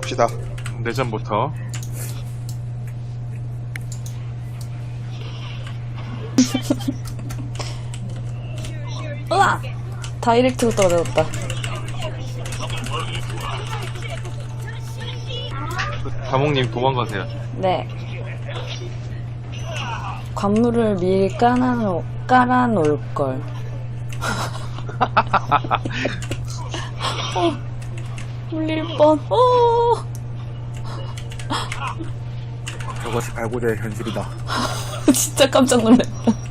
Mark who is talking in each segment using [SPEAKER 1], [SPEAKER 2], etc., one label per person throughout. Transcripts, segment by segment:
[SPEAKER 1] 갑시다.
[SPEAKER 2] 내전부터.
[SPEAKER 3] 으아! 다이렉트로 떨어졌다.
[SPEAKER 2] 다몽님 도망가세요.
[SPEAKER 3] 네. 관물을 미리 깔아놓을걸. 물릴 뻔.
[SPEAKER 4] 저것이 갈고리의 현실이다.
[SPEAKER 3] 진짜 깜짝 놀랐다.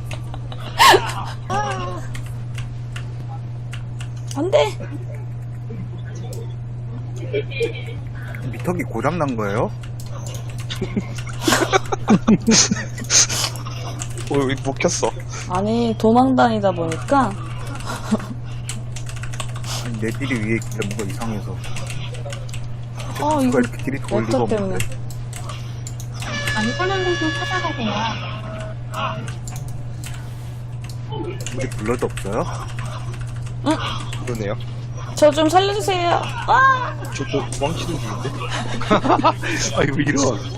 [SPEAKER 3] 안 돼!
[SPEAKER 4] 미터기 고장난 거예요?
[SPEAKER 1] 여기 못 켰어.
[SPEAKER 3] 아니, 도망 다니다 보니까,
[SPEAKER 4] 아니, 내 딜이 위에 있길래 뭔가 이상해서.
[SPEAKER 3] 이거
[SPEAKER 4] 누가 이렇게 딜이 더 올리가
[SPEAKER 3] 렉터 때문에.
[SPEAKER 4] 없는데.
[SPEAKER 5] 안전한 곳으로 찾아가세요.
[SPEAKER 4] 우리 블러드 없어요?
[SPEAKER 1] 그러네요.
[SPEAKER 3] 저 좀 살려주세요.
[SPEAKER 1] 저도 도망치는 중인데.
[SPEAKER 2] 아이고, 이런.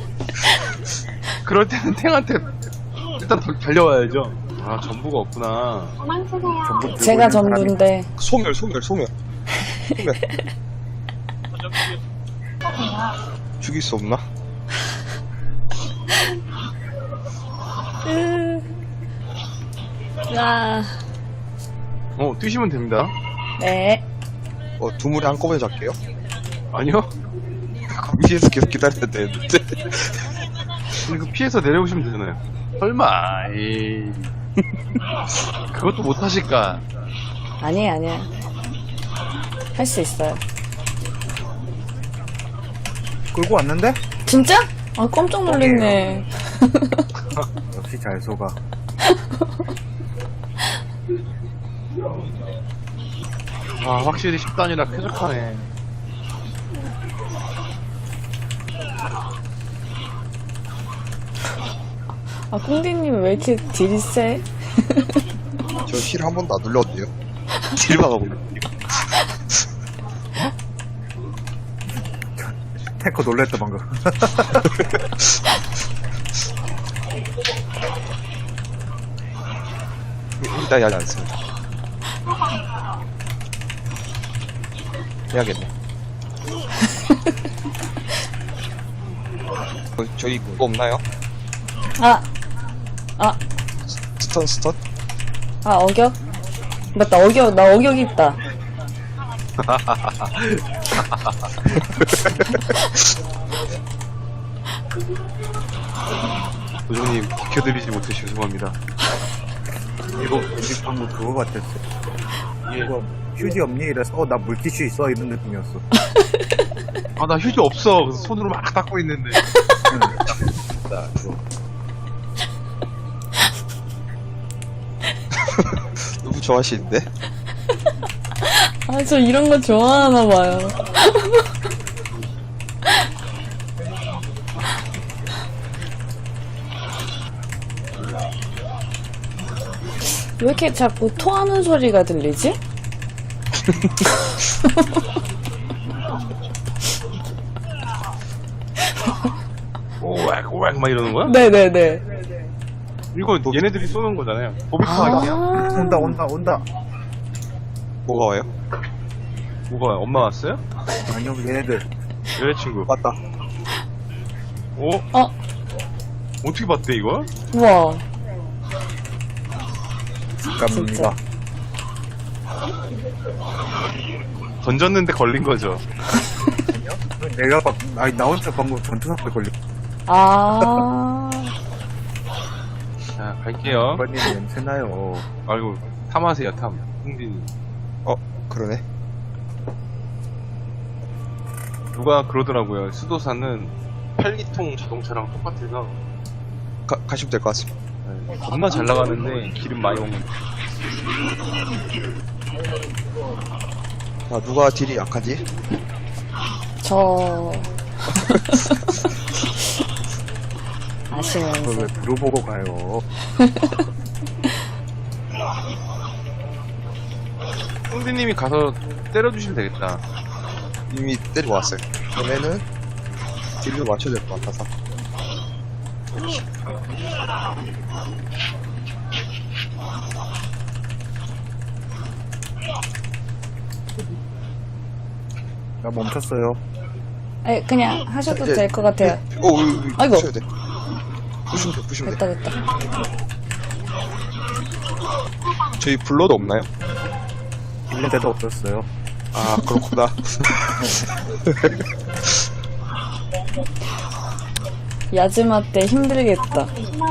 [SPEAKER 2] 그럴 때는 탱한테 일단 달려와야죠. 아, 전부가 없구나.
[SPEAKER 5] 도망치세요.
[SPEAKER 4] 전부 들고
[SPEAKER 3] 제가
[SPEAKER 4] 있는 사람이
[SPEAKER 3] 전부인데.
[SPEAKER 1] 소멸. 죽일 수 없나?
[SPEAKER 2] 뛰시면 됩니다.
[SPEAKER 3] 네.
[SPEAKER 1] 두물에 한꺼번에 잡게요?
[SPEAKER 2] 아니요?
[SPEAKER 1] 위에서 계속 기다려야 되는데.
[SPEAKER 2] 이거 피해서 내려오시면 되잖아요. 설마, 에이. 그것도 못하실까?
[SPEAKER 3] 아니야. 할 수 있어요.
[SPEAKER 4] 끌고 왔는데?
[SPEAKER 3] 진짜? 깜짝 놀랐네.
[SPEAKER 4] 역시 잘 속아.
[SPEAKER 2] 확실히 10단이라 쾌적하네.
[SPEAKER 3] 꽁디님 왜 이렇게 딜이 세?
[SPEAKER 1] 저 힐 한 번도 안 눌렀는데요. 딜 박아보려.
[SPEAKER 4] 탱커 놀랬다, 방금.
[SPEAKER 1] 일단 하지 않습니다. 해야겠네. 저희 그거 없나요? 스턴?
[SPEAKER 3] 어격? 맞다, 나 어격이 있다.
[SPEAKER 2] 도정님, 비켜드리지 못해 죄송합니다.
[SPEAKER 4] 이거 우리 방금 그거 같았어. 이거 휴지 없니? 이래서 나 물티슈 있어 이런 느낌이었어.
[SPEAKER 2] 나 휴지 없어. 그래서 손으로 막 닦고 있는데.
[SPEAKER 4] 나 그거.
[SPEAKER 1] 너무 좋아하시는데?
[SPEAKER 3] 저 이런 거 좋아하나 봐요. 왜 이렇게 자꾸 토하는 소리가 들리지?
[SPEAKER 2] 오웩 막 이러는 거야?
[SPEAKER 3] 네네네.
[SPEAKER 2] 이거 얘네들이 쏘는 거잖아요. 보비카 할게요.
[SPEAKER 4] 온다.
[SPEAKER 1] 뭐가 와요?
[SPEAKER 2] 뭐가 엄마 왔어요?
[SPEAKER 4] 아니요, 얘네들.
[SPEAKER 2] 여자친구.
[SPEAKER 1] 맞다.
[SPEAKER 2] 어떻게 봤대 이거?
[SPEAKER 3] 우와.
[SPEAKER 4] 갑니다.
[SPEAKER 2] 던졌는데 걸린 거죠.
[SPEAKER 4] 내가 나 혼자 방금 전투사태 걸려.
[SPEAKER 2] 자, 갈게요.
[SPEAKER 4] 빨리 냄새나요.
[SPEAKER 2] 아이고, 탐하세요, 탐. 홍진이.
[SPEAKER 1] 그러네.
[SPEAKER 2] 누가 그러더라고요. 수도사는 8기통 자동차랑 똑같아서
[SPEAKER 1] 가시면 될 것 같습니다.
[SPEAKER 2] 겁나 잘 나가는데 기름 많이 먹는 거.
[SPEAKER 1] 자, 누가 딜이 약하지?
[SPEAKER 3] 저
[SPEAKER 4] 그걸
[SPEAKER 3] 아시면서
[SPEAKER 4] 왜 물어보고 가요?
[SPEAKER 2] 홍진님이 가서 때려주시면 되겠다.
[SPEAKER 1] 이미 때리고 왔어요. 그러면은 딜로 맞춰야 될 것 같아서.
[SPEAKER 4] 나 멈췄어요.
[SPEAKER 3] 아니, 그냥 하셔도
[SPEAKER 1] 이제-
[SPEAKER 3] 될 것 같아요.
[SPEAKER 1] 오,
[SPEAKER 3] 아이고.
[SPEAKER 1] 부셔야 돼. 부시면 돼, 부시면 돼.
[SPEAKER 3] 됐다.
[SPEAKER 1] 저희 블러도 없나요?
[SPEAKER 4] 빌린 데도 없었어요.
[SPEAKER 1] 아, 그렇구나.
[SPEAKER 3] 야즈마 때 힘들겠다.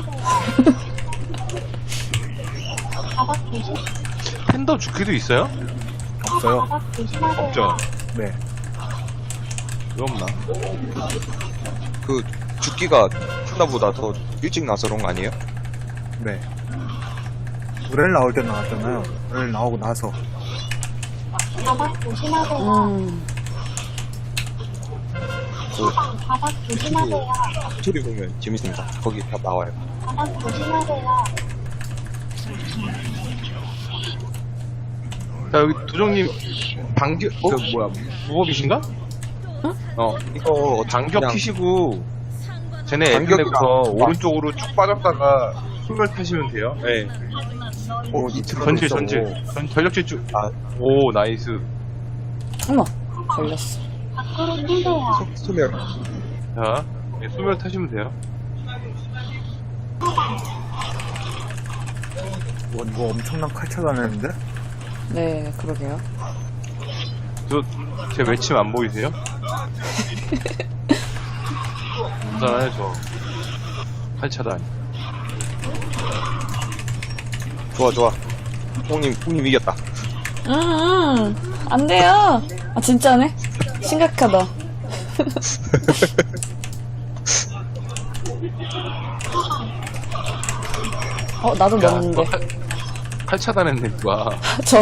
[SPEAKER 2] 팬더 죽기도 있어요?
[SPEAKER 4] 없어요.
[SPEAKER 2] 없죠.
[SPEAKER 4] 네.
[SPEAKER 2] 왜 없나?
[SPEAKER 1] 그, 죽기가 푸나보다 더 일찍 나서 그런 거 아니에요?
[SPEAKER 4] 네. 노래를 나올 때 나왔잖아요. 노래를 나오고 나서.
[SPEAKER 5] 바닥 조심하세요.
[SPEAKER 1] 그,
[SPEAKER 5] 바닥 조심하세요.
[SPEAKER 1] 스토리 보면 재밌습니다. 거기 다 나와요.
[SPEAKER 5] 바닥 조심하세요.
[SPEAKER 2] 자, 여기 도정님, 반격, 무법이신가?
[SPEAKER 1] 이거,
[SPEAKER 2] 반격
[SPEAKER 1] 그냥
[SPEAKER 2] 키시고, 쟤네
[SPEAKER 1] 반격이랑-
[SPEAKER 2] 애플에부터 오른쪽으로 쭉 빠졌다가, 힘을 타시면 돼요. 네. 전질. 전력 질주.
[SPEAKER 1] 아.
[SPEAKER 2] 오, 나이스.
[SPEAKER 3] 어머, 걸렸어.
[SPEAKER 5] 밖으로 뛰세요.
[SPEAKER 1] 소멸.
[SPEAKER 2] 자, 네, 소멸 타시면 돼요.
[SPEAKER 4] 와, 이거 엄청난 칼차 다녔는데?
[SPEAKER 3] 네, 그러게요.
[SPEAKER 2] 제 외침 안 보이세요? 없잖아요, 저. 8차단.
[SPEAKER 1] 좋아. 형님 이겼다.
[SPEAKER 3] 안 돼요. 아, 진짜네? 심각하다. 나도 넣었는데.
[SPEAKER 2] 8차단 했네, 누가.
[SPEAKER 3] 저.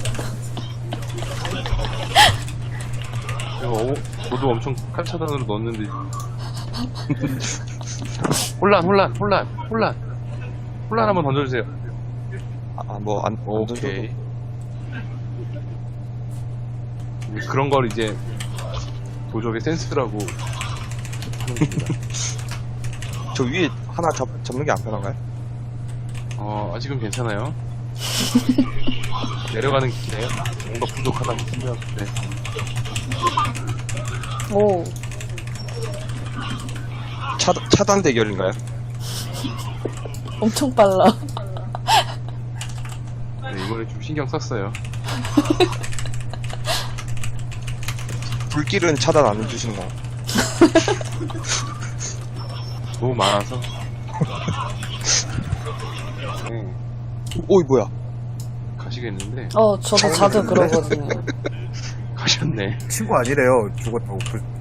[SPEAKER 2] 저도 엄청 8차단으로 넣었는데. 혼란 한번 던져주세요. 오케이. 그런 걸 이제 도적의 센스라고 하는 겁니다.
[SPEAKER 1] 저 위에 하나 잡는 게 안 편한가요?
[SPEAKER 2] 아직은 괜찮아요. 내려가는 길에 뭔가 부족하다고 생각했는데.
[SPEAKER 3] 오,
[SPEAKER 1] 차단 대결인가요?
[SPEAKER 3] 엄청 빨라.
[SPEAKER 2] 네, 이번에 좀 신경 썼어요.
[SPEAKER 1] 불길은 차단 안 해주시는 거.
[SPEAKER 2] 너무 많아서. 네,
[SPEAKER 1] 오이, 뭐야.
[SPEAKER 2] 가시겠는데.
[SPEAKER 3] 저도 자주 그러거든요.
[SPEAKER 2] 가셨네.
[SPEAKER 4] 친구 아니래요. 죽었다고.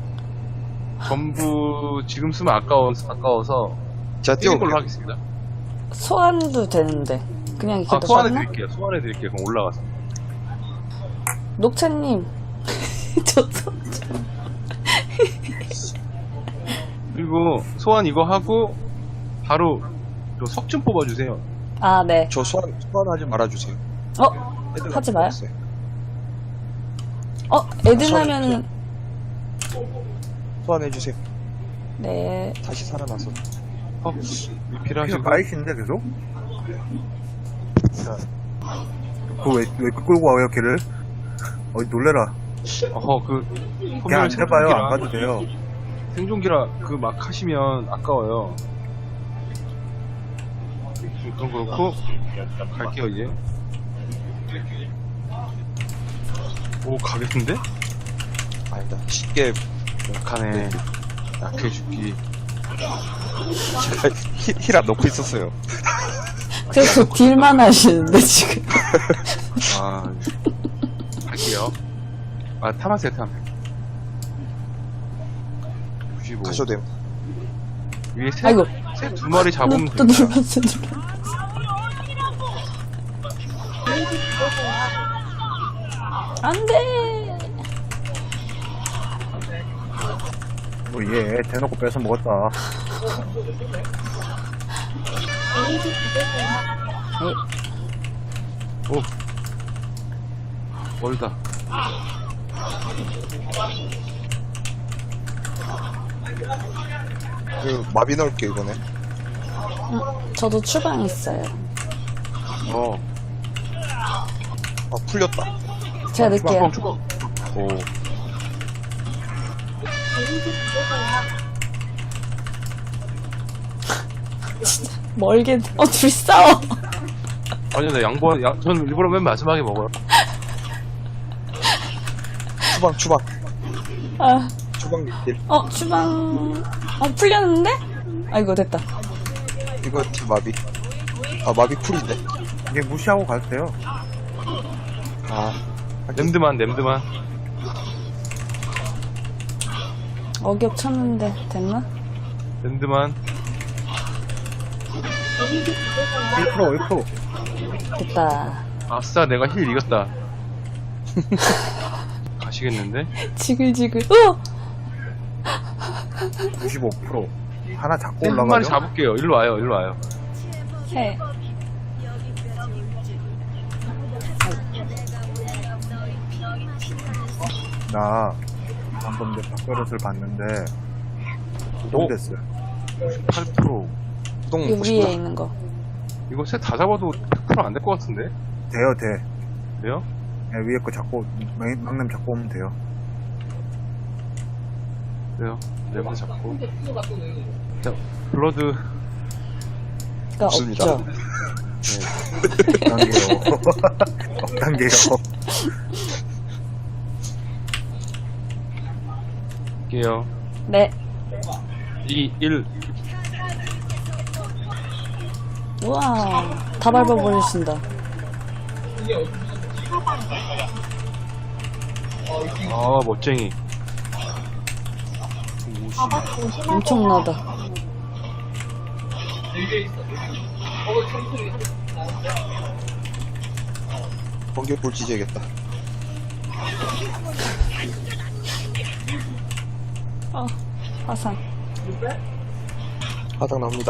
[SPEAKER 2] 전부 지금 쓰면 아까워서
[SPEAKER 1] 제가
[SPEAKER 2] 뛰는 걸로
[SPEAKER 1] 뛰어볼게요.
[SPEAKER 2] 하겠습니다.
[SPEAKER 3] 소환도 되는데. 그냥 이렇게
[SPEAKER 2] 소환해
[SPEAKER 3] 넣었나?
[SPEAKER 2] 드릴게요. 소환해 드릴게요. 그럼 올라가서.
[SPEAKER 3] 녹차님. 저
[SPEAKER 2] 그리고 소환 이거 하고 바로 저 석 좀 뽑아주세요.
[SPEAKER 3] 아, 네.
[SPEAKER 1] 저 소환하지 말아주세요. 애들
[SPEAKER 3] 하지 마요.
[SPEAKER 1] 없어요.
[SPEAKER 3] 에드나면은,
[SPEAKER 1] 소환해주세요.
[SPEAKER 3] 네.
[SPEAKER 1] 다시 살아나서.
[SPEAKER 4] 그냥
[SPEAKER 2] 필요하시고.
[SPEAKER 4] 까이신데 계속? 그거 왜 끌고 와요, 걔를? 놀래라. 그냥 안 해봐요. 안 가도 돼요.
[SPEAKER 2] 생존기라 막 하시면 아까워요. 그건 그렇고 갈게요 이제. 오, 가겠는데?
[SPEAKER 1] 아니다. 쉽게
[SPEAKER 2] 약하네. 약해 죽기.
[SPEAKER 1] 제가 힐 안 넣고 있었어요.
[SPEAKER 3] 그래서 딜만 하시는데, 지금.
[SPEAKER 2] 할게요. 탐하세요, 탐. 95.
[SPEAKER 1] 가셔도 돼요.
[SPEAKER 2] 위에
[SPEAKER 3] 아이고.
[SPEAKER 2] 새 두 마리 잡으면
[SPEAKER 3] 또
[SPEAKER 2] 됩니다.
[SPEAKER 3] 눌렀어. 안 돼!
[SPEAKER 4] 얘 대놓고 뺏어 먹었다.
[SPEAKER 5] 데미지 받으세요.
[SPEAKER 2] 오. 멀다.
[SPEAKER 1] 그 마비 넣을게 이번에.
[SPEAKER 3] 저도 추방 있어요.
[SPEAKER 1] 아 풀렸다.
[SPEAKER 3] 제가 넣을게요.
[SPEAKER 2] 오.
[SPEAKER 5] 데미지 받으세요.
[SPEAKER 3] 멀게, 둘이 싸워.
[SPEAKER 2] 아니, 나 저는 일부러 맨 마지막에 먹어요.
[SPEAKER 1] 추방.
[SPEAKER 3] 아,
[SPEAKER 1] 추방 딜.
[SPEAKER 3] 추방. 풀렸는데? 아이고, 됐다.
[SPEAKER 1] 이거 딜 마비. 아 마비 풀인데.
[SPEAKER 4] 이게 무시하고 가세요.
[SPEAKER 1] 아
[SPEAKER 2] 냄드만.
[SPEAKER 3] 어격 쳤는데, 됐나?
[SPEAKER 2] 냄드만.
[SPEAKER 5] 데미지 받으세요.
[SPEAKER 4] 1%.
[SPEAKER 3] 됐다.
[SPEAKER 2] 아싸, 내가 힐 이겼다. 가시겠는데?
[SPEAKER 3] 지글지글.
[SPEAKER 4] 95%. 하나 잡고
[SPEAKER 2] 한 마리
[SPEAKER 4] 올라가죠.
[SPEAKER 2] 잡을게요. 일로 와요.
[SPEAKER 3] 해.
[SPEAKER 4] 나 방금 내 밥그릇을 봤는데 구동됐어요.
[SPEAKER 2] 8%.
[SPEAKER 1] 구동
[SPEAKER 3] 이
[SPEAKER 1] 먹고 싶다.
[SPEAKER 3] 위에 있는 거.
[SPEAKER 2] 이거 셋 다 잡아도 100% 안 될 것 같은데?
[SPEAKER 4] 돼요, 돼.
[SPEAKER 2] 그래요?
[SPEAKER 4] 네, 위에 거 잡고 막냄 잡고 오면 돼요.
[SPEAKER 2] 그래요. 네번 잡고. 자, 블러드.
[SPEAKER 3] 가
[SPEAKER 1] 없습니다.
[SPEAKER 3] 없죠.
[SPEAKER 4] 억단계요. 억단계요.
[SPEAKER 2] 할게요.
[SPEAKER 3] 네.
[SPEAKER 2] 2, 1.
[SPEAKER 3] 우와. 다 밟아버리신다.
[SPEAKER 2] 아, 멋쟁이.
[SPEAKER 5] 바닥 조심하세요.
[SPEAKER 3] 엄청나다.
[SPEAKER 1] 번개 볼지지야겠다.
[SPEAKER 3] 화상.
[SPEAKER 1] 바닥 나옵니다.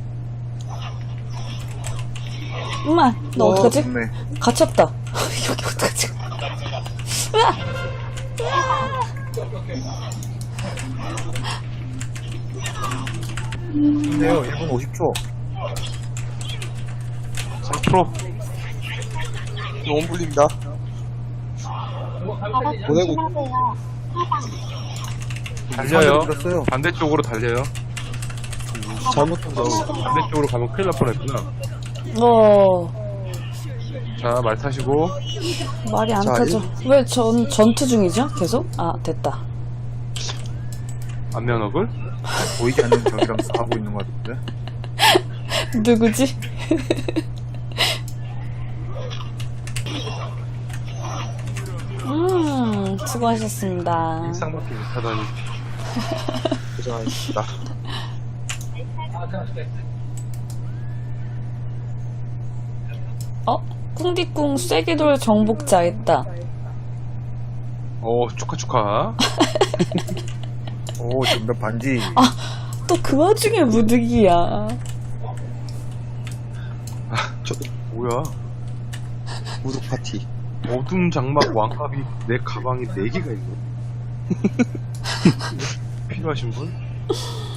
[SPEAKER 3] 엄마, 너 어떡하지?
[SPEAKER 4] 네.
[SPEAKER 3] 갇혔다. 여기 어떡하지? 으아!
[SPEAKER 4] 근데요, 1분 50초.
[SPEAKER 2] 3%.
[SPEAKER 1] 너무 불립니다.
[SPEAKER 5] 바닥
[SPEAKER 1] 보내고.
[SPEAKER 5] 조심하세요.
[SPEAKER 2] 달려요.
[SPEAKER 4] 들었어요.
[SPEAKER 2] 반대쪽으로 달려요.
[SPEAKER 1] 잘못한다.
[SPEAKER 2] 반대쪽으로 가면 큰일 날 뻔했구나. 자, 말 타시고.
[SPEAKER 3] 말이 안
[SPEAKER 1] 자,
[SPEAKER 3] 타죠. 왜 전투 중이죠? 계속? 아, 됐다.
[SPEAKER 2] 안면허글.
[SPEAKER 4] 보이지 않는 적이랑 싸우고 있는 것 같은데.
[SPEAKER 3] 누구지? 수고하셨습니다.
[SPEAKER 2] 일상밖에 못하다니.
[SPEAKER 1] 고생하셨습니다.
[SPEAKER 3] 꿍디꿍 쐐기돌 정복자 했다.
[SPEAKER 2] 오, 축하.
[SPEAKER 4] 오, 정답 반지.
[SPEAKER 3] 또 그 와중에 무득이야.
[SPEAKER 2] 뭐야.
[SPEAKER 1] 무독 파티.
[SPEAKER 2] 어둠 장막 왕갑이 내 가방에 4개가 있네. 필요하신 분?